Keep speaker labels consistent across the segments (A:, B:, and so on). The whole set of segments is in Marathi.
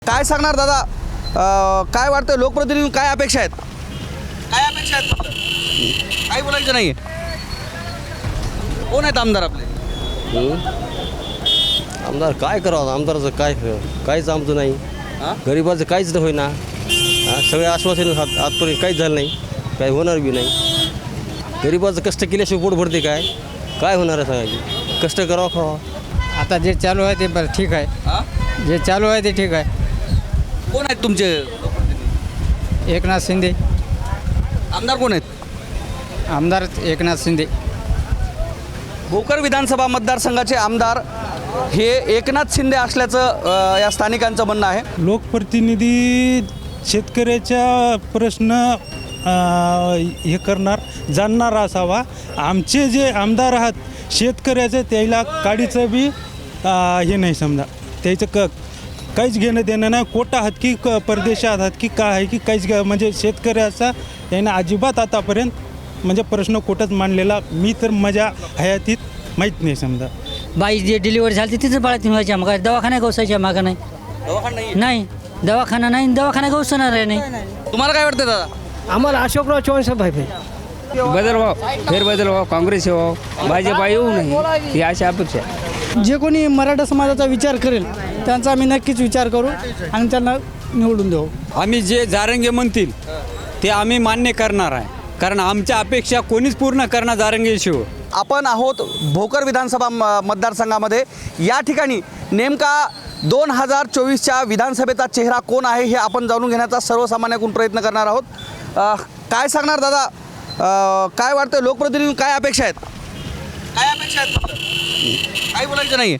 A: काय सांगणार दादा? काय वाटतं लोकप्रतिनिधी काय अपेक्षा आहेत? काय अपेक्षा आहेत? काही बोलायचं नाही. कोण आहेत आमदार आपले?
B: आमदार काय करावं? आमदाराचं काहीच आमचं नाही. गरिबाचं काहीच नाही होईना. सगळे आश्वासन आजपर्यंत काहीच झालं नाही, काही होणार बी नाही. गरिबाचं कष्ट केल्याशिवाय पोट भरते काय होणार आहे सांगायची? कष्ट करावं खावा.
C: आता जे चालू आहे ते बरं ठीक आहे. जे चालू आहे ते ठीक आहे.
A: कोण आहेत तुमचे लोकप्रतिनिधी?
C: एकनाथ शिंदे
A: आमदार कोण आहेत?
C: आमदार एकनाथ शिंदे.
A: भोकर विधानसभा मतदारसंघाचे आमदार हे एकनाथ शिंदे असल्याचं या स्थानिकांचं म्हणणं आहे.
D: लोकप्रतिनिधी शेतकऱ्याचा प्रश्न हे करणार जाणणार असावा. आमचे जे आमदार आहात शेतकऱ्याचं त्याला काडीचं बी हे नाही समजा. त्याचं काहीच घेणं देणं नाही. कोटा आहात की परदेशात आहात की काय आहे की काहीच म्हणजे शेतकऱ्याचा यानं अजिबात आतापर्यंत म्हणजे प्रश्न कुठंच मांडलेला मी तर माझ्या हयातीत माहीत नाही समजा.
E: बाई जे डिलिव्हरी झाली तिथं बाळा तीन व्हायच्या मग दवाखाना गवसायच्या मागं नाही.
A: दवाखाना नाहीये?
E: नाही दवाखाना नाही, दवाखाना गवसणार आहे नाही.
A: तुम्हाला काय वाटतं दादा?
F: आम्हाला अशोकराव चव्हाण साहेब पाहिजे.
C: बदल व्हावं, फेरबदल व्हावं, काँग्रेस व्हावं, भाजपा येऊ नये ही अशी अपेक्षा.
F: जे कोणी मराठा समाजाचा विचार करेल त्यांचा आम्ही नक्कीच विचार करू आणि त्यांना निवडून देऊ.
G: आम्ही जे जारंगे म्हणतील ते आम्ही मान्य करणार आहे, कारण आमच्या अपेक्षा कोणीच पूर्ण करणार जारंगेशिवाय.
A: आपण आहोत भोकर विधानसभा मतदारसंघामध्ये. या ठिकाणी नेमका 2024च्या विधानसभेचा चेहरा कोण आहे हे आपण जाणून घेण्याचा सर्वसामान्याकडून प्रयत्न करणार आहोत. काय सांगणार दादा? काय वाटतं लोकप्रतिनिधी काय अपेक्षा आहेत? काय अपेक्षा आहेत? काही बोलायचं नाही.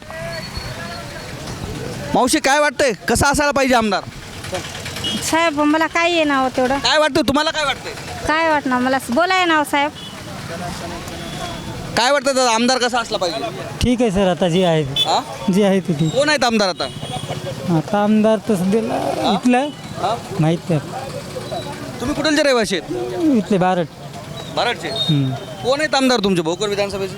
A: मावशी काय वाटतंय कसं असायला पाहिजे आमदार?
H: साहेब मला काय आहे नाव तेवढं
A: काय वाटतं तुम्हाला? काय वाटतंय?
H: काय वाटणार मला बोलाय नाव साहेब.
A: काय वाटतं दादा आमदार कसा असला पाहिजे?
F: ठीक आहे सर. आता जे आहे जे आहे ते ठीक.
A: कोण आहेत आमदार आता?
F: आता आमदार तर सध्याला इथलं माहीत नाही.
A: तुम्ही कुठलचे रहिवासी आहेत?
F: इथले बारट.
A: बारडचे. कोण आहेत आमदार तुमचे भोकर विधानसभेचे?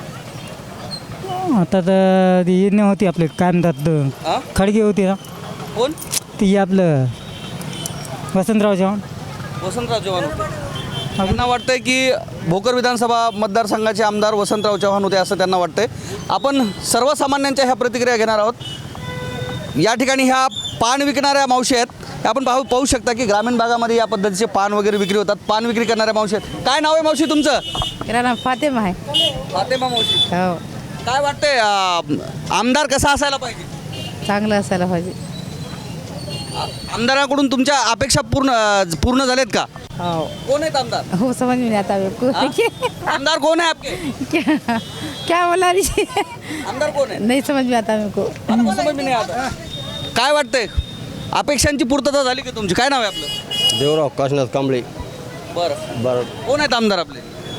F: आता तर ती येणे होती आपले काय म्हणतात खडगे होते ना.
A: कोण?
F: ती आपलं वसंतराव चव्हाण.
A: वसंतराव चव्हाण होते. त्यांना वाटतंय की भोकर विधानसभा मतदारसंघाचे आमदार वसंतराव चव्हाण होते असं त्यांना वाटतंय. आपण सर्वसामान्यांच्या ह्या प्रतिक्रिया घेणार आहोत. या ठिकाणी ह्या पान विकणाऱ्या मावशी आहेत. आपण पाहू शकता की ग्रामीण भागामध्ये या पद्धतीचे पान वगैरे विक्री होतात. पान विक्री करणाऱ्या मावशी आहेत. काय नाव आहे मावशी तुमचं?
H: मेरा नाम फातिमा आहे.
A: फातेमा मावशी.
H: हो
A: काय वाटतंय आमदार कसा असायला पाहिजे?
H: चांगलं असायला पाहिजे.
A: आमदाराकडून तुमच्या अपेक्षा पूर्ण झाल्यात का?
H: हो
A: कोण आहेत आमदार?
H: हो समझ में नहीं आता मेरे
A: आमदार कोण आहे आपके?
H: क्या बोला रही
A: आमदार कोण आहे?
H: नहीं समझ में आता मेरे को.
A: आपको समज में नाही आता. काय वाटतंय अपेक्षांची पूर्तता झाली की तुमची? काय नाव आहे आपलं?
B: देवराव काशीनाथ कांबळे.
A: बरं कोण आहेत आमदार आपले?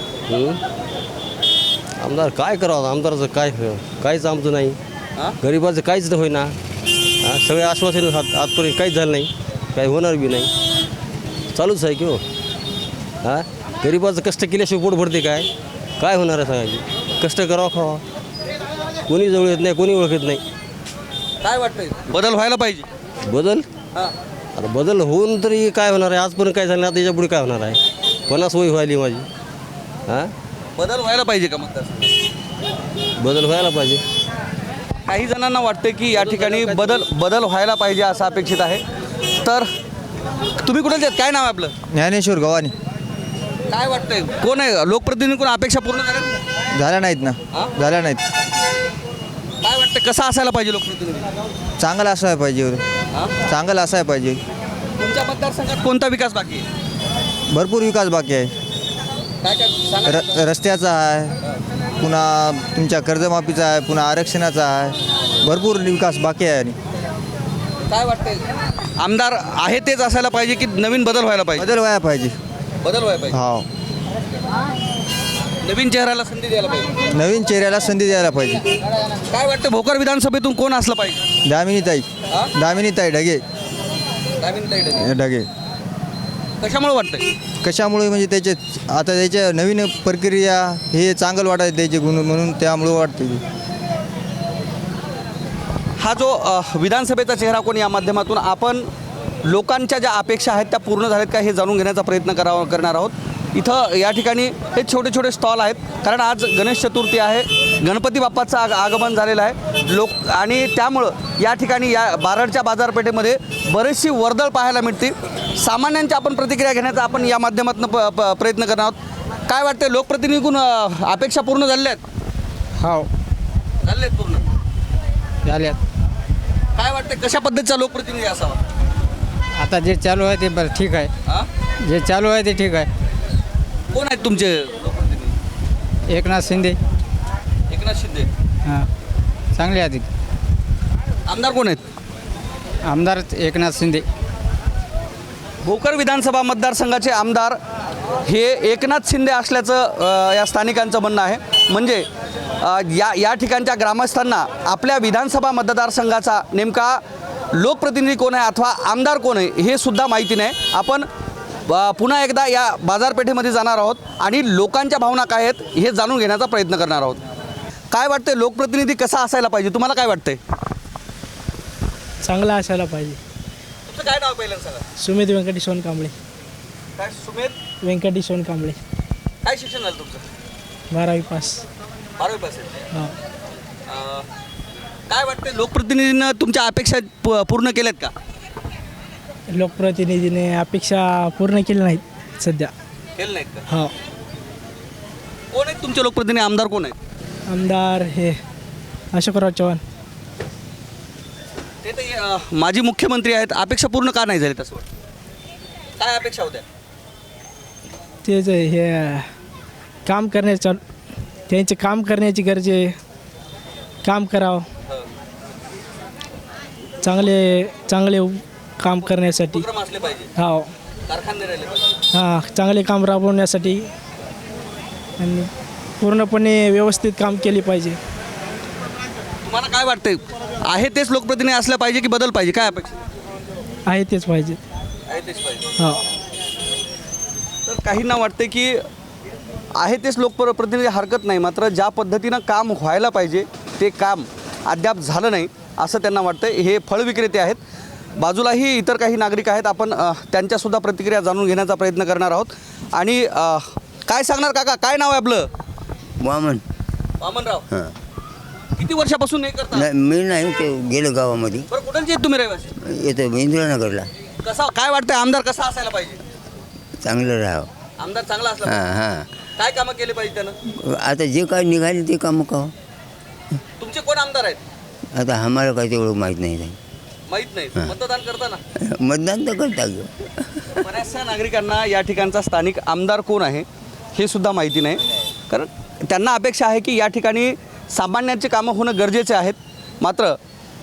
B: आमदार काय करावं? आमदाराचं काहीच आमचं नाही. गरिबाचं काहीच नाही होईना. सगळे आश्वासन आजपर्यंत काहीच झालं नाही, काही होणार बी नाही. चालूच आहे की हो. गरिबाचं कष्ट केल्याशिवाय पोट भरते काय होणार आहे सांगायची? कष्ट करावं खावा. कोणी जवळ येत नाही, कोणी ओळखत नाही.
A: काय वाटतंय बदल व्हायला पाहिजे?
B: बदल आता बदल होऊन तरी काय होणार आहे? आजपर्यंत काय झालं नाही, आता याच्यापुढे काय होणार आहे? 50 वय व्हायली माझी.
A: बदल व्हायला पाहिजे का मतदार?
B: बदल व्हायला पाहिजे.
A: काही जणांना वाटते की या ठिकाणी बदल व्हायला पाहिजे असं अपेक्षित आहे. तर तुम्ही कुठे काय नाव आहे आपलं?
I: ज्ञानेश्वर गव्हाणे.
A: काय वाटतंय कोण आहे लोकप्रतिनिधी? कोण अपेक्षा पूर्ण
I: झाल्या नाहीत ना. झाल्या नाहीत.
A: काय वाटतं कसं असायला पाहिजे लोकप्रतिनिधी?
I: चांगलं असायला पाहिजे. चांगलं असायला पाहिजे.
A: तुमच्या मतदारसंघात कोणता विकास बाकी आहे?
I: भरपूर विकास बाकी आहे.
A: काय काय सांगा.
I: रस्त्याचा आहे, पुन्हा तुमच्या कर्जमाफीचा आहे, पुन्हा आरक्षणाचा आहे. भरपूर विकास बाकी आहे. आणि
A: काय वाटतंय आमदार आहे तेच असायला पाहिजे की नवीन बदल व्हायला पाहिजे?
I: बदल व्हायला पाहिजे.
A: बदल व्हायला पाहिजे.
I: हो.
A: नवीन चेहऱ्याला संधी द्यायला पाहिजे.
I: नवीन चेहऱ्याला संधी द्यायला पाहिजे.
A: काय वाटतं भोकर विधानसभेतून कोण असलं पाहिजे?
I: दामिनीताई ढगे. ढगे.
A: कशामुळे वाटतंय?
I: कशामुळे म्हणजे त्याचे आता त्याच्या नवीन प्रक्रिया हे चांगलं वाटायचं त्याचे गुण म्हणून त्यामुळे वाटते.
A: हा जो विधानसभेचा चेहरा कोण या माध्यमातून आपण लोकांच्या ज्या अपेक्षा आहेत त्या पूर्ण झाल्यात का हे जाणून घेण्याचा प्रयत्न करणार आहोत. इथं या ठिकाणी हे छोटे छोटे स्टॉल आहेत, कारण आज गणेश चतुर्थी आहे, गणपती बाप्पाचं आगमन झालेलं आहे आणि त्यामुळं या ठिकाणी या बारडच्या बाजारपेठेमध्ये बरीचशी वर्दळ पाहायला मिळते. सामान्यांच्या आपण प्रतिक्रिया घेण्याचा आपण या माध्यमातून प्रयत्न करणार आहोत. काय वाटते, लोकप्रतिनिधीकडून अपेक्षा पूर्ण झालेल्या आहेत?
F: हो
A: झालेल्या आहेत पूर्ण.
F: झाल्यात.
A: काय वाटते, कशा पद्धतीचा लोकप्रतिनिधी असावा?
F: आता जे चालू आहे ते बरं ठीक आहे.
A: हां,
F: जे चालू आहे ते ठीक आहे.
A: कोण आहेत तुमचे लोकप्रतिनिधी?
F: एकनाथ शिंदे.
A: एकनाथ शिंदे.
F: हां चांगले आहेत.
A: आमदार कोण आहेत?
F: आमदार एकनाथ शिंदे.
A: भोकर विधानसभा मतदारसंघाचे आमदार हे एकनाथ शिंदे असल्याचं या स्थानिकांचं म्हणणं आहे. म्हणजे या ठिकाणच्या ग्रामस्थांना आपल्या विधानसभा मतदारसंघाचा नेमका लोकप्रतिनिधी कोण आहे अथवा आमदार कोण आहे हे सुद्धा माहिती नाही. आपण पुन्हा एकदा या बाजारपेठेमध्ये जाणार आहोत आणि लोकांच्या भावना काय आहेत हे जाणून घेण्याचा प्रयत्न करणार आहोत. काय वाटते, लोकप्रतिनिधी कसा असायला पाहिजे, तुम्हाला काय वाटतंय?
F: चांगला असायला पाहिजे.
A: तुमचं काय नाव पहिल्यांदा सांगा.
F: सुमित व्यंकटेश कांबळे.
A: काय सुमेध
F: व्यंकटेश कांबळे.
A: काय शिक्षण झालं तुमचं?
F: 12वी पास.
A: 12वी पास आहे.
F: हां.
A: काय वाटते, लोकप्रतिनिधीनं तुमच्या अपेक्षा पूर्ण केल्यात का?
F: लोकप्रतिनिधीने अपेक्षा पूर्ण केल्या नाहीत सध्या.
A: केलं नाहीत का?
F: हो.
A: कोण आहेत तुमचे लोकप्रतिनिधी, आमदार कोण आहेत?
F: आमदार हे अशोकराव चव्हाण.
A: ते तर माजी मुख्यमंत्री आहेत. अपेक्षा पूर्ण का नाही झाली तसं वाटतं? काय अपेक्षा होत्या?
F: तेच हे काम करण्याचं, त्यांचे काम करण्याची गरज आहे. काम करावं चांगले काम करण्यासाठी.
A: उपक्रम असले पाहिजे,
F: हो.
A: कारखाने राहिले पाहिजे.
F: हां चांगले काम राबवण्यासाठी आणि पूर्णपणे व्यवस्थित काम केले पाहिजे.
A: तुम्हाला काय वाटतंय, आहे तेच लोकप्रतिनिधी असलं पाहिजे की बदल पाहिजे, काय अपेक्षा
F: आहे तेच पाहिजे.
A: आहे तेच पाहिजे?
F: हो.
A: तर काहींना वाटते की आहे तेच लोकप्रतिनिधी हरकत नाही, मात्र ज्या पद्धतीनं काम व्हायला पाहिजे ते काम अद्याप झालं नाही असं त्यांना वाटतं. हे फळ विक्रेते आहेत, बाजूलाही इतर काही नागरिक आहेत. आपण त्यांच्यासुद्धा प्रतिक्रिया जाणून घेण्याचा प्रयत्न करणार आहोत. आणि काय सांगणार काका, काय नाव आहे आपलं? वामनराव. किती वर्षापासून हे करता?
J: नाही मी नाही ते गेलो गावामध्ये.
A: बरं, कुठंचे आहेत तुम्ही रहिवासी?
J: येतो इंदिरानगरला.
A: कसा, काय वाटतंय, आमदार कसा असायला पाहिजे?
J: चांगलं राहावं.
A: आमदार चांगला असला
J: हां
A: पाहिजे.
J: हां.
A: काय कामं केली पाहिजे त्यानं?
J: आता जे काय निघाले ते कामं का
A: तुमचे कोण आमदार आहेत?
J: आता आम्हाला काय तेवढं माहीत नाही.
A: माहित नाही. मतदान करताना
J: मतदान तर करता ग.
A: बऱ्याचशा नागरिकांना या ठिकाणचा स्थानिक आमदार कोण आहे हे सुद्धा माहिती नाही, कारण त्यांना अपेक्षा आहे की या ठिकाणी सामान्यांची कामं होणं गरजेचे आहेत. मात्र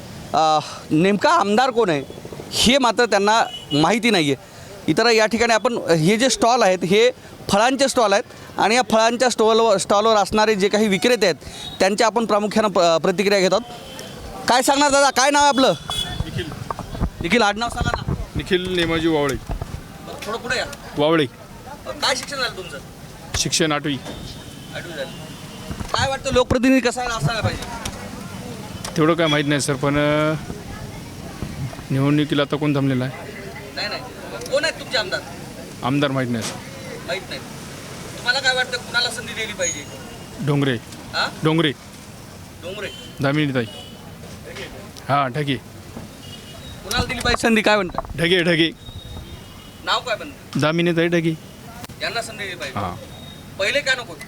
A: नेमका आमदार कोण आहे हे मात्र त्यांना माहिती नाही आहे. इतर या ठिकाणी आपण हे जे स्टॉल आहेत हे फळांचे स्टॉल आहेत आणि या फळांच्या स्टॉलवर असणारे जे काही विक्रेते आहेत त्यांच्या आपण प्रामुख्यानं प्रतिक्रिया घेत आहोत. काय सांगणार दादा, काय नाव आहे आपलं? निखिल. आडनाव सांगा ना.
K: निखिल नेमाजी वावळे.
A: थोडं पुढे या.
K: वावळे.
A: काय शिक्षण झालं तुमचं?
K: शिक्षण 8वी.
A: 8वी झालं. काय वाटतं, लोकप्रतिनिधी कसा असायला पाहिजे?
K: तेवढं काय माहीत नाही सर, पण निवडणुकीला आता कोण थांबलेला आहे?
A: नाही. कोण आहेत तुमचे आमदार?
K: आमदार माहीत नाही सर.
A: माहीत नाही. तुम्हाला काय वाटतं, कुणाला संधी दिली पाहिजे?
K: डोंगरे.
A: हां,
K: डोंगरे.
A: डोंगरे.
K: दामिनीताई. हां ढगे.
A: कुणाला दिली पाहिजे संधी, काय म्हणतात?
K: ढगे.
A: नाव काय म्हणतात?
K: दामिनीताई ढगे.
A: यांना संधी दिली पाहिजे.
K: हां.
A: पहिले का नको?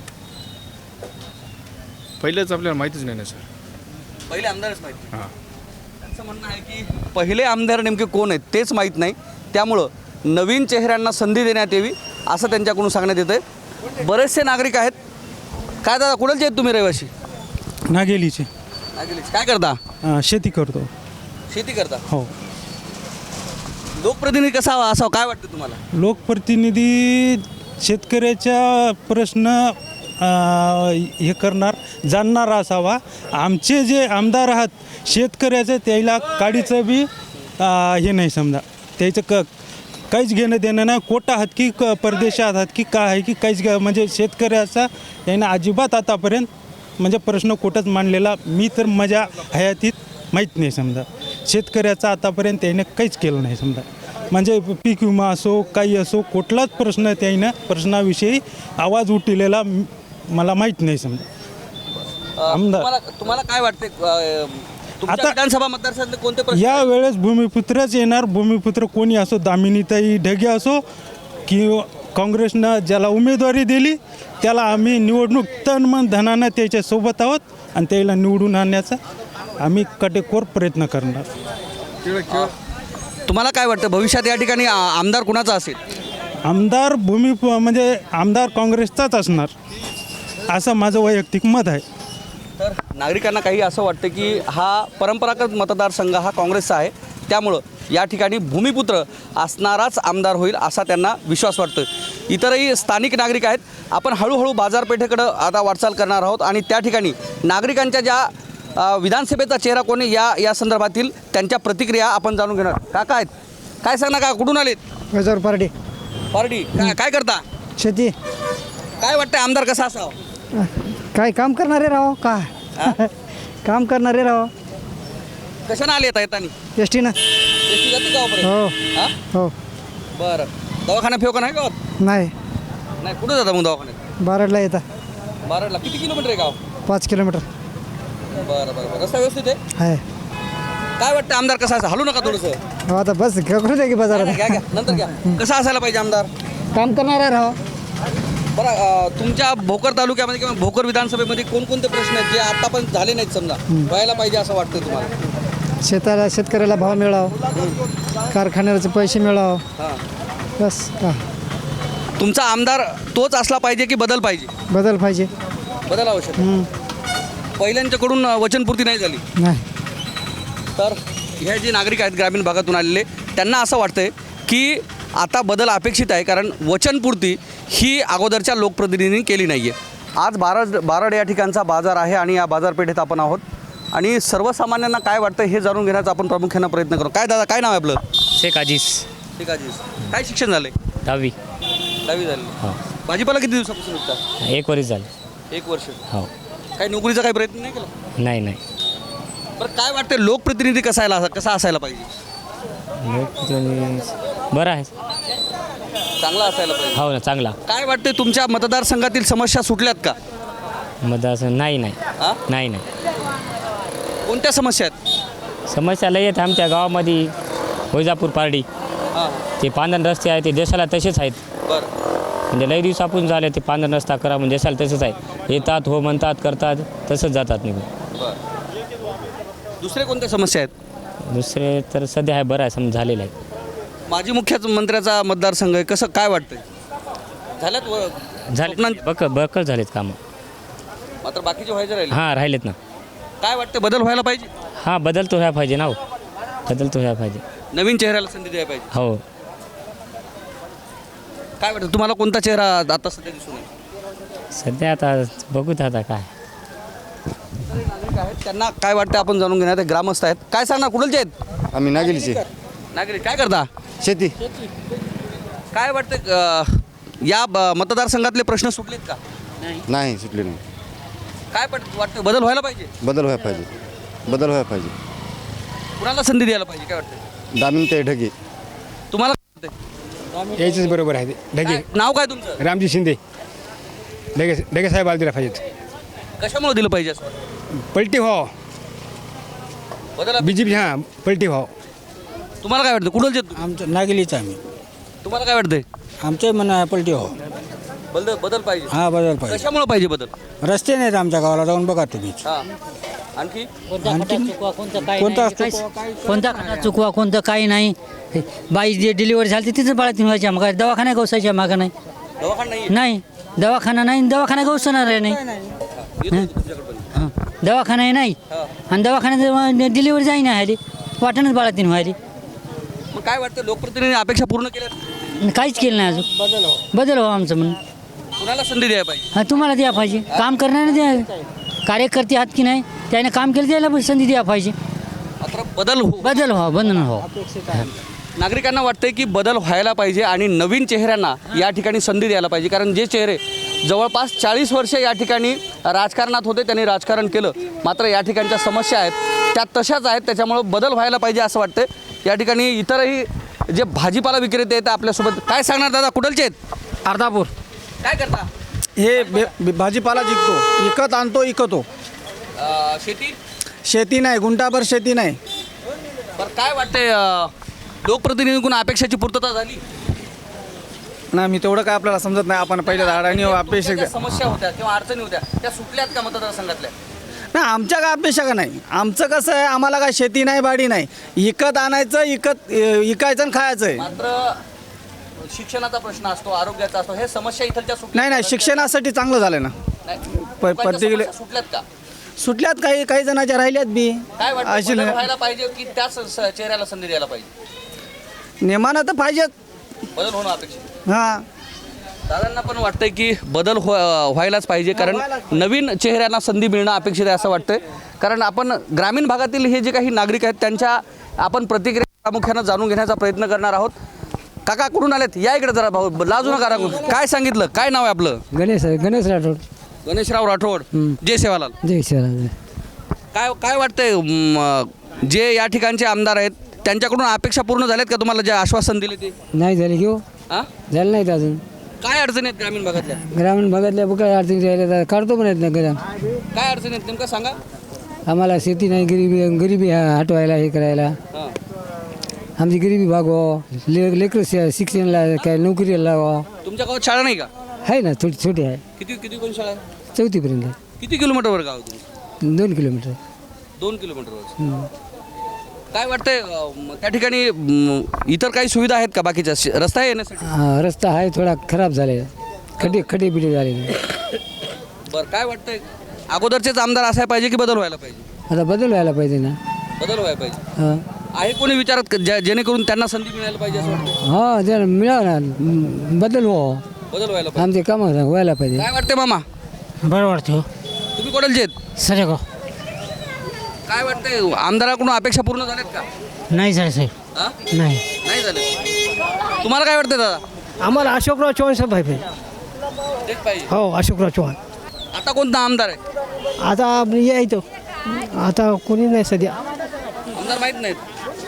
K: पहिलेच आपल्याला माहितीच नाही ना सर.
A: पहिले आमदारच माहिती.
K: हां.
A: त्यांचं म्हणणं आहे की पहिले आमदार नेमके कोण आहेत तेच माहीत नाही, त्यामुळं नवीन चेहऱ्यांना संधी देण्यात यावी असं त्यांच्याकडून सांगण्यात येतं आहे. बरेचसे नागरिक आहेत. काय दादा, कुणाचे आहेत तुम्ही रहिवासी?
D: नागेलीचे.
A: काय करता?
D: शेती करतो.
A: शेती करता?
D: हो.
A: लोकप्रतिनिधी कसा असावा काय वाटतं तुम्हाला?
D: लोकप्रतिनिधी शेतकऱ्याच्या प्रश्न हे करणार, जाणणार असावा. आमचे जे आमदार आहात शेतकऱ्याचं त्याला काडीचं बी हे नाही, समजा त्याचं काहीच घेणं देणं नाही. कोटा आहात की परदेशात आहात की काय आहे की काहीच म्हणजे शेतकऱ्याचा यानं अजिबात आतापर्यंत म्हणजे प्रश्न कुठंच मांडलेला मी तर माझ्या हयातीत माहीत नाही समजा. शेतकऱ्याचं आतापर्यंत त्याने काहीच केलं नाही समजा. म्हणजे पीक विमा असो काही असो कुठलाच प्रश्न त्यानं प्रश्नाविषयी आवाज उठलेला मला माहीत नाही समजा. आमदार
A: तुम्हाला काय वाटते तुमच्या
D: आता-
A: विधानसभा मतदारसंघातले कोणते प्रश्न
D: या वेळेस भूमिपुत्रच येणार. भूमिपुत्र कोणी असो, दामिनीताई ढगे असो की काँग्रेसनं ज्याला उमेदवारी दिली त्याला आम्ही निवडणूक तन मन धनानं त्याच्यासोबत आहोत आणि त्याला निवडून आणण्याचा आम्ही काटेकोर प्रयत्न करणार.
A: तुम्हाला काय वाटतं भविष्यात या ठिकाणी आमदार कुणाचा असेल?
D: आमदार म्हणजे आमदार काँग्रेसचाच असणार असं माझं वैयक्तिक मत आहे.
A: तर नागरिकांना काही असं वाटतं की हा परंपरागत मतदारसंघ हा काँग्रेसचा आहे, त्यामुळं या ठिकाणी भूमिपुत्र असणाराच आमदार होईल असा त्यांना विश्वास वाटतो. इतरही स्थानिक नागरिक आहेत. आपण हळूहळू बाजारपेठेकडं आता वाटचाल करणार आहोत आणि त्या ठिकाणी नागरिकांच्या ज्या विधानसभेचा चेहरा कोणी या संदर्भातील त्यांच्या प्रतिक्रिया आपण जाणून घेणार. काका आहेत, काय सांगणार का, कुठून आलेत?
F: गजर पार्टी
A: पार्टी काय करता?
F: शेती
A: काय वाटतं आमदार कसा असावा?
F: काय काम करणारे राहो का काम करणारे राहो.
A: कशानं आले येतानी?
F: एस टीनं.
A: एसटी जाते गावापर्यंत?
F: हो
A: हां
F: हो.
A: बरं. दवाखाना फेवका नाही गावात?
F: नाही
A: नाही. कुठं जाता मग दवाखान्यात?
F: बारडला येता.
A: बाराडला किती किलोमीटर आहे गाव?
F: 5 किलोमीटर
A: बरं बरं. रस्ता व्यवस्थित आहे?
F: आहे.
A: काय वाटतं आमदार कसा असा? हलू नका थोडंसं.
F: हो आता बस करू दे की बाजारात.
A: घ्या नंतर घ्या. कसा असायला पाहिजे आमदार?
F: काम करणारे राहो.
A: बरं, तुमच्या भोकर तालुक्यामध्ये किंवा भोकर विधानसभेमध्ये कोणकोणते प्रश्न आहेत जे आता पण झाले नाहीत समजा व्हायला पाहिजे असं वाटतं तुम्हाला?
F: शेतकऱ्याला भाव मिळावं, कारखान्याचे पैसे मिळावं,
A: हां.
F: बस का
A: तुमचा आमदार तोच असला पाहिजे की बदल पाहिजे?
F: बदल पाहिजे.
A: बदल आवश्यक आहे. पहिल्यांच्याकडून वचनपूर्ती नाही झाली
F: नाही.
A: तर हे जे नागरिक आहेत ग्रामीण भागातून आलेले त्यांना असं वाटतंय की आता बदल अपेक्षित आहे, कारण वचनपूर्ती ही अगोदरच्या लोकप्रतिनिधींनी केली नाही आहे. आज बारड या ठिकाणचा बाजार आहे आणि या बाजारपेठेत आपण आहोत आणि सर्वसामान्यांना काय वाटतं हे जाणून घेण्याचा आपण प्रामुख्यानं प्रयत्न करू. काय दादा, काय नाव आहे आपलं?
C: शेख अजीज.
A: ठीक आहे. काय शिक्षण झालं?
C: 10वी.
A: 10वी झाली. भाजीपाला किती दिवसापासून विकता?
C: 1 वर्ष झालं.
A: 1 वर्ष.
C: हो.
A: काही नोकरीचा काही प्रयत्न नाही केला?
C: नाही.
A: बरं, काय वाटतं लोकप्रतिनिधी कसा असायला पाहिजे?
C: बरं आहे.
A: चांगला असायला पाहिजे.
C: हो ना, चांगला.
A: काय वाटते तुमच्या मतदारसंघातील समस्या सुटल्यात का?
C: मतदार नाही.
A: हां?
C: नाही.
A: कोणत्या समस्या आहेत?
C: समस्या लय आहेत आमच्या गावामध्ये. वैजापूर पारडी
A: हां.
C: ते पांधन रस्ते आहे ते देशाला तसेच आहेत.
A: बरं.
C: म्हणजे लय दिवसापून झाले ते पांधन रस्ता करा म्हणजे देशाला तसंच आहे. येतात हो म्हणतात करतात तसंच जातात निघून.
A: बरं. दुसरे कोणत्या समस्या आहेत?
C: दुसरे तर सध्या आहे बरं आहे समजा झालेलं आहे.
A: माजी मुख्यमंत्र्याचा मतदारसंघ आहे, कसं काय वाटतंय? झाल्यात
C: झाले बकल झालेत कामं.
A: मात्र बाकीचे व्हायचे राहिले.
C: हां राहिलेत ना.
A: काय वाटतं बदल व्हायला पाहिजे?
C: हां बदल तो व्हायला पाहिजे ना हो. बदल तो व्हायला पाहिजे.
A: नवीन चेहऱ्याला संधी द्यायला पाहिजे.
C: हो.
A: काय वाटतं तुम्हाला कोणता चेहरा आता सध्या दिसून येईल?
C: सध्या आता बघूत आता काय.
A: त्यांना काय वाटतं आपण जाणून घेणार. ते ग्रामस्थ आहेत. काय सांगणार, कुठलचे आहेत?
I: आम्ही नागेलीचे.
A: नागरिक काय करता?
I: शेती.
A: काय वाटतं या मतदारसंघातले प्रश्न सुटलेत का?
I: नाही सुटले नाही.
A: काय वाटतं बदल व्हायला पाहिजे?
I: बदल व्हायला पाहिजे.
A: कुणाला संधी द्यायला पाहिजे काय वाटतं?
I: दामिनीताई ढगे.
A: तुम्हाला काय वाटतंय?
K: यायचंच बरोबर आहे. ढगे.
A: नाव काय तुमचं?
K: रामजी शिंदे. ढगे साहेब दिला पाहिजेत.
A: कशामुळे दिलं पाहिजे असं?
K: पलटी व्हावं.
A: बदल
K: BJP. हां पलटी व्हावं.
A: तुम्हाला काय वाटतं? कुठलचे आहेत तुम्ही?
F: आमचं नागेलीचं आम्ही.
A: तुम्हाला काय वाटतंय?
F: आमचं म्हणणं पलटी हो.
A: बदल पाहिजे.
F: हा बदल पाहिजे.
A: कशामुळे पाहिजे बदल?
F: रस्ते नाहीत आमच्या गावाला, जाऊन बघा तुम्ही.
A: हां. आणखी
E: कोणता खड्डा चुकवा कोणतं काही नाही. बाई जे डिलिव्हरी झाली तिथं बाळातीन व्हायच्या मग दवाखाना गवसायच्या मागं नाही.
A: दवाखाना नाही.
E: नाही दवाखाना नाही, दवाखाना गवसणार आहे नाही. दवाखानाही नाही आणि दवाखान्यात डिलिव्हरी जाई नाही आली, वाटणच बाळातीन व्हायली.
A: मग काय वाटतं लोकप्रतिनिधी अपेक्षा पूर्ण केल्या?
E: काहीच केलं नाही अजून. बदल हो आमचं म्हणून.
A: कुणाला संधी द्यायला पाहिजे?
E: हा तुम्हाला द्या पाहिजे. काम करणारे द्या. कार्यकर्ते आहात की नाही, त्याने काम केलं त्याला संधी द्या पाहिजे.
A: मात्र बदल
E: बंधन हो.
A: नागरिकांना वाटतंय की बदल व्हायला पाहिजे आणि नवीन चेहऱ्यांना या ठिकाणी संधी द्यायला पाहिजे, कारण जे चेहरे जवळपास 40 वर्ष या ठिकाणी राजकारणात होते त्यांनी राजकारण केलं, मात्र या ठिकाणच्या समस्या आहेत त्या तशाच आहेत, त्याच्यामुळं बदल व्हायला पाहिजे असं वाटतं. या ठिकाणी इतरही जे भाजीपाला विक्रेते आहेत आपल्यासोबत. काय सांगणार दादा, कुठलचे आहेत?
F: अर्धापूर
A: काय करता?
F: हे भाजीपाला जिंकतो, विकत आणतो, विकतो.
A: शेती
F: शेती नाही, गुंठाभर शेती नाही.
A: बरं, काय वाटतंय लोकप्रतिनिधींकडून अपेक्षाची पूर्तता झाली?
F: नाही, मी तेवढं काय आपल्याला समजत नाही. आपण पहिले अडाणी अपेक्षा
A: ज्या समस्या होत्या किंवा अडचणी होत्या त्या सुटल्यात का मतदारसंघातल्या?
F: नाही, आमच्या काय अपेक्षा का नाही. आमचं कसं आहे, आम्हाला काय शेती नाही, बाडी नाही. विकत आणायचं, विकायचं आणि खायचं आहे.
A: मात्र शिक्षणाचा प्रश्न असतो, आरोग्याचा असतो, हे समस्या इथलच्या सुटल्या
F: नाही, शिक्षणासाठी चांगलं झालं ना.
A: नाही.
F: पर्टिक्युलर
A: समस्या सुटल्यात का?
F: सुटल्यात, काही जणांच्या राहिल्यात बी.
A: काय वाटतं,
F: अशी
A: बदल
F: नाही.
A: व्हायला पाहिजे की त्याच चेहऱ्याला संधी द्यायला पाहिजे?
F: नेमानं तर पाहिजेत.
A: बदल होणं अपेक्षित.
F: हां,
A: दादांना पण वाटतंय की बदल व्हायलाच पाहिजे, कारण नवीन चेहऱ्यांना संधी मिळणं अपेक्षित आहे असं वाटतंय. कारण आपण ग्रामीण भागातील हे जे काही नागरिक आहेत त्यांच्या आपण प्रतिक्रिया प्रामुख्यानं जाणून घेण्याचा प्रयत्न करणार आहोत. काका कुठून आलेत? या इकडे जरा भाऊ, लाजू नका राखू. काय सांगितलं, काय नाव आहे आपलं?
E: गणेश राठोड.
A: गणेशराव राठोड. जय सेवालाल.
E: जय शिवराज.
A: काय वाटतंय, जे या ठिकाणचे आमदार आहेत त्यांच्याकडून अपेक्षा पूर्ण झाल्यात का तुम्हाला जे आश्वासन दिले ते?
E: नाही झाले घेऊ,
A: हां,
E: झालं नाहीत अजून.
A: काय अडचणी आहेत ग्रामीण भागातल्या?
E: ग्रामीण भागातल्या काय अडचणी राहिल्या काढतो पण येत नाही ग्राम.
A: काय अडचणी आहेत नेमकं सांगा.
E: आम्हाला शेती नाही, गरिबी हटवायला, हे करायला.
A: हां,
E: आमची गरिबी भागवा, लेकरं शिक्षणाला काय नोकरीला लावा.
A: तुमच्या गावात शाळा नाही का?
E: आहे ना, छोटी आहे,
A: किती कोण शाळा आहे?
E: 4थी पर्यंत.
A: किती किलोमीटरवर गाव आहे तुमचं?
E: 2 किलोमीटर.
A: 2 किलोमीटरवर. काय वाटतंय त्या ठिकाणी इतर काही सुविधा आहेत का बाकीच्या? रस्ता आहे येण्यासाठी?
E: रस्ता आहे थोडा खराब झाले, खड्डे बिडे झाले.
A: बरं, काय वाटतंय अगोदरचेच आमदार असायला पाहिजे की बदल व्हायला पाहिजे?
E: आता बदल व्हायला पाहिजे ना.
A: बदल व्हायला पाहिजे.
E: हां,
A: आहे कोणी विचारत जेणेकरून त्यांना संधी मिळायला पाहिजे असं वाटतं?
E: हां, जर मिळावं ना, बदल व्हावं,
A: बदल व्हायला पाहिजे.
E: आमचे कामं व्हायला पाहिजे.
A: काय वाटतंय मामा?
F: बरं वाटतं.
A: तुम्ही कोणाचे आहेत?
F: सर
A: काय वाटतंय आमदाराकडून अपेक्षा पूर्ण झाल्यात का?
F: नाही झालं साहेब,
A: हां,
F: नाही.
A: नाही झालं. तुम्हाला काय वाटतंय दादा?
F: आम्हाला अशोकराव चव्हाण साहेब पाहिजे.
A: तेच पाहिजे.
F: हो, अशोकराव चव्हाण.
A: आता कोणता आमदार आहे?
F: आता यायचं, आता कोणी नाही सध्या.
A: आमदार माहीत नाहीत.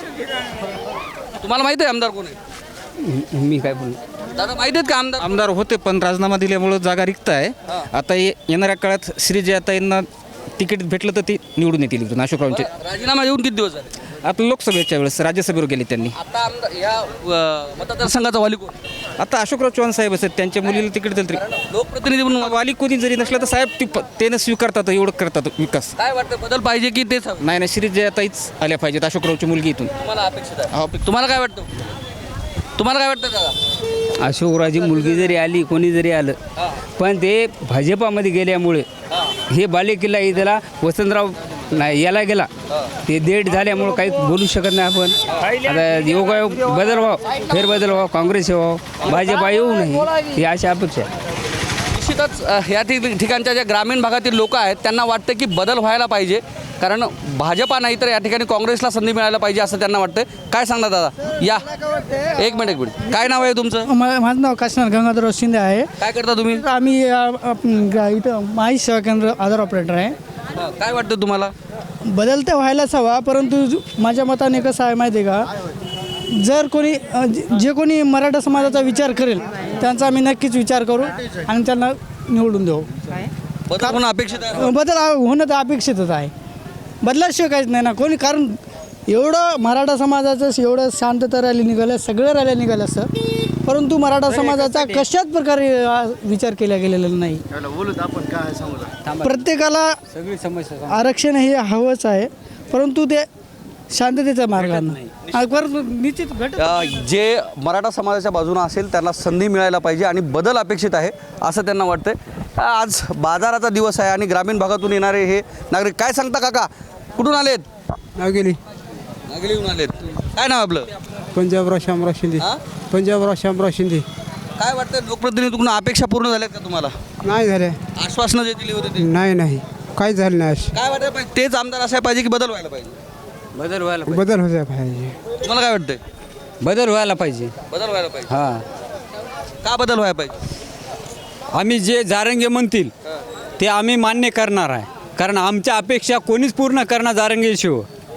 A: तुम्हाला माहिती आहे आमदार कोण आहे?
C: मी काय बोलू.
A: दादा माहिती आहेत का आमदार?
L: आमदार होते पण राजीनामा दिल्यामुळं जागा रिक्त आहे. आता येणाऱ्या काळात श्रीजयाताईंना तिकीट भेटलं तर ती निवडून येतील इकडून अशोकरावांचे.
A: राजीनामा देऊन किती दिवस झाले?
L: आता लोकसभेच्या वेळेस राज्यसभेवर गेले त्यांनी.
A: आता आमदार या मतदारसंघाचा वाली कोण?
L: आता अशोकराव चव्हाण साहेब असतात, त्यांच्या मुलीला तिकीट दिलं तरी
A: लोकप्रतिनिधी म्हणून
L: वाली कोणी जरी नसलं तर साहेब त्यानं स्वीकारतात, एवढं करतात विकास.
A: काय वाटतं, बदल पाहिजे की तेच हवं?
L: नाही श्रीजयाताईच आल्या पाहिजेत, अशोकरावची मुलगी इथून.
A: तुम्हाला अपेक्षित आहे? तुम्हाला काय वाटतं? तुम्हाला काय वाटतं दादा?
C: अशोकरावची मुलगी जरी आली, कोणी जरी आलं, पण ते भाजपामध्ये गेल्यामुळे हे बालेकिल्ला इथला वसंतराव नाही याला गेला, ते डेट झाल्यामुळं काही बोलू शकत नाही आपण. आता योगायोग बदल व्हावं, फेरबदल व्हावं, काँग्रेस व्हावं, भाजपा येऊ नये, ही अशी अपेक्षा आहे.
A: निश्चितच या ठिकाणच्या ज्या ग्रामीण भागातील लोक आहेत त्यांना वाटतं की बदल व्हायला पाहिजे, कारण भाजपा नाही तर या ठिकाणी काँग्रेसला संधी मिळायला पाहिजे असं त्यांना वाटतं. काय सांगता दादा? या एक मिनिट. काय नाव आहे तुमचं?
F: माझं नाव काशीनाथ गंगाधरराव शिंदे आहे.
A: काय करता तुम्ही?
F: आम्ही इथं माहिती सेवा केंद्र आधार ऑपरेटर आहे.
A: काय वाटतं तुम्हाला?
F: बदल तर व्हायलाच हवा, परंतु माझ्या मताने कसं आहे माहिती आहे का, जर कोणी जे कोणी मराठा समाजाचा विचार करेल त्यांचा आम्ही नक्कीच विचार करू आणि त्यांना निवडून देऊ.
A: बदल होणं अपेक्षित आहे?
F: बदल होणं तर अपेक्षितच आहे. बदलाशिवाय काहीच नाही ना कोणी, कारण एवढं मराठा समाजाचं एवढं शांतता रॅली निघालं, सगळं रॅल्या निघालं असं, परंतु मराठा समाजाचा कशाच प्रकारे विचार केला गेलेला नाही. प्रत्येकाला
C: सगळी समस्या
F: आरक्षण हे हवंच आहे, परंतु ते शांततेच्या मार्गाने परंतु निश्चित
A: जे मराठा समाजाच्या बाजूने असेल त्यांना संधी मिळायला पाहिजे आणि बदल अपेक्षित आहे असं त्यांना वाटतंय. आज बाजाराचा दिवस आहे आणि ग्रामीण भागातून येणारे हे नागरिक. काय सांगता काका, कुठून आलेत? नागेलीहून आलेत. काय नाव आपलं?
K: पंजाबराव शामराव शिंदे. पंजाबराव शामराव शिंदे.
A: काय वाटतं लोकप्रतिनिधीकडून अपेक्षा पूर्ण झाल्यात का तुम्हाला?
K: नाही झाले.
A: आश्वासनं जे दिली होते ते?
K: नाही काही झालं नाही.
A: काय वाटतं पाहिजे, तेच आमदार असायला पाहिजे की बदल व्हायला पाहिजे?
C: बदल व्हायला
K: बदल होता पाहिजे.
A: तुम्हाला काय वाटतंय?
C: बदल व्हायला पाहिजे.
A: बदल व्हायला पाहिजे.
C: हां,
A: का बदल व्हायला पाहिजे?
G: आम्ही जे जारंगे म्हणतील ते आम्ही मान्य करणार आहे, कारण आमच्या अपेक्षा कोणीच पूर्ण करणार जारंगे शिव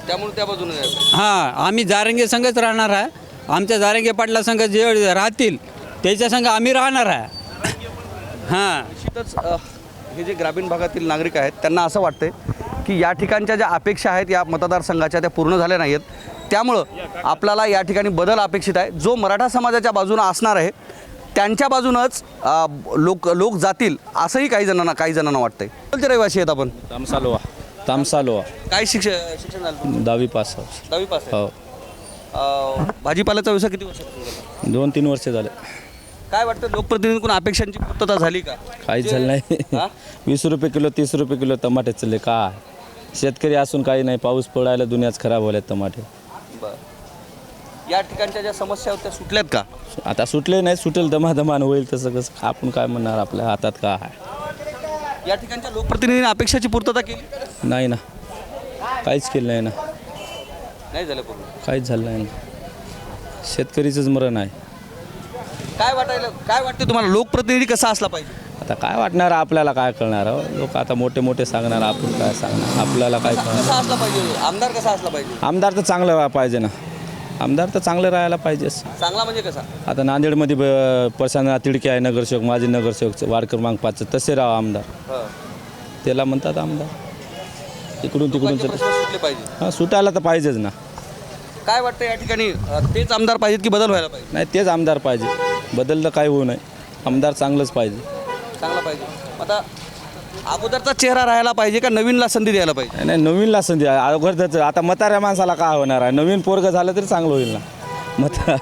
A: त्यामुळे त्या बाजूने जायचं.
G: हां आम्ही जारंगे संघच राहणार आहे. आमच्या जारंगे पाटला संघ जे राहतील त्याच्या संघ आम्ही राहणार आहे. हां
A: निश्चितच हे जे ग्रामीण भागातील नागरिक आहेत त्यांना असं वाटतंय की या ठिकाणच्या ज्या अपेक्षा आहेत या मतदारसंघाच्या त्या पूर्ण झाल्या नाहीत. त्यामुळं आपल्याला या ठिकाणी बदल अपेक्षित आहे. जो मराठा समाजाच्या बाजूनं असणार आहे त्यांच्या बाजूनच लोक जातील असंही काही जणांना वाटतंय. कोणते रहिवासी आहेत आपण?
B: तामसालोवा
A: काय शिक्षण झालं?
B: 10वी पास
A: 10वी पास आहे. भाजीपाल्याचा व्यवसाय किती वर्ष?
B: 2-3 वर्ष झाले.
A: काय वाटतं लोकप्रतिनिधींकडून अपेक्षांची पूर्तता झाली का?
B: काहीच झालं नाही.
A: हा?
B: 20 रुपये किलो 30 रुपये किलो टमाटे चालले. काय शेतकरी असून काही नाही. पाऊस पडायला दुनियाच खराब व्हायला टमाटे.
A: बरं या ठिकाणच्या ज्या समस्या होत्या सुटल्यात का?
B: आता सुटले नाही. सुटेल दमादमान होईल तसं कसं आपण काय म्हणणार. आपल्या हातात काय आहे.
A: या ठिकाणच्या लोकप्रतिनिधींनी अपेक्षाची पूर्तता केली
B: नाही ना. काहीच केलं नाही ना.
A: नाही झालं पूर्ण.
B: काहीच झालं नाही ना. शेतकरीचंच मरण आहे.
A: काय वाटतं तुम्हाला लोकप्रतिनिधी कसा असला पाहिजे?
B: आता काय वाटणार आपल्याला काय कळणार. लोक आता मोठे मोठे सांगणार. आपण काय सांगणार. आपल्याला काय कळणार.
A: कसा असला पाहिजे? आमदार कसा असला पाहिजे?
B: आमदार तर चांगलं राहायला पाहिजे ना. आमदार तर चांगलं राहायला पाहिजेच.
A: चांगला म्हणजे कसा?
B: आता नांदेडमध्ये प्रशांत तिडके आहे नगरसेवक. माझे नगरसेवक वार्ड क्रमांक 5 तसे राहा आमदार. त्याला म्हणतात आमदार. इकडून तिकडून
A: प्रश्न सुटले पाहिजे.
B: हां सुटायला तर पाहिजेच ना.
A: काय वाटतं या ठिकाणी तेच आमदार पाहिजेत की बदल व्हायला पाहिजे?
B: नाही तेच आमदार पाहिजे. बदल तर काही होऊ नये. आमदार चांगलंच पाहिजे.
A: चांगला पाहिजे. आता अगोदरचा चेहरा राहायला पाहिजे का नवीनला संधी द्यायला पाहिजे?
B: नाही नवीनला संधी आहे. अगोदरच आता म्हाताऱ्या माणसाला काय होणार आहे. नवीन पोरगं झालं तरी चांगलं होईल ना.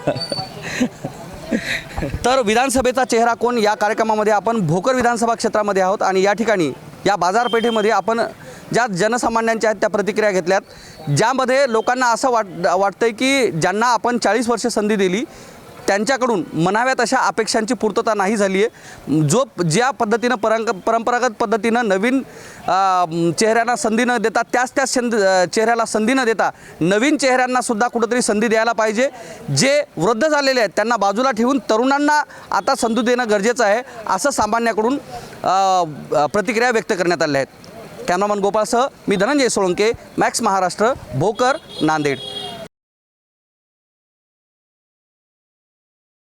A: तर विधानसभेचा चेहरा कोण या कार्यक्रमामध्ये आपण भोकर विधानसभा क्षेत्रामध्ये आहोत आणि या ठिकाणी या बाजारपेठेमध्ये आपण ज्या जनसामान्यांच्या आहेत त्या प्रतिक्रिया घेतल्यात, ज्यामध्ये लोकांना असं वाटतंय की ज्यांना आपण 40 वर्ष संधी दिली त्यांच्याकडून म्हणाव्यात अशा अपेक्षांची पूर्तता नाही झाली आहे. ज्या पद्धतीनं परंपरागत पद्धतीनं नवीन चेहऱ्यांना संधी न देता त्याच चेहऱ्याला संधी न देता नवीन चेहऱ्यांनासुद्धा कुठंतरी संधी द्यायला पाहिजे. जे वृद्ध झालेले आहेत त्यांना बाजूला ठेवून तरुणांना आता संधी देणं गरजेचं आहे असं सामान्याकडून प्रतिक्रिया व्यक्त करण्यात आल्या आहेत. कॅमेरामन गोपाळसह मी धनंजय सोळंके, मॅक्स महाराष्ट्र, भोकर, नांदेड.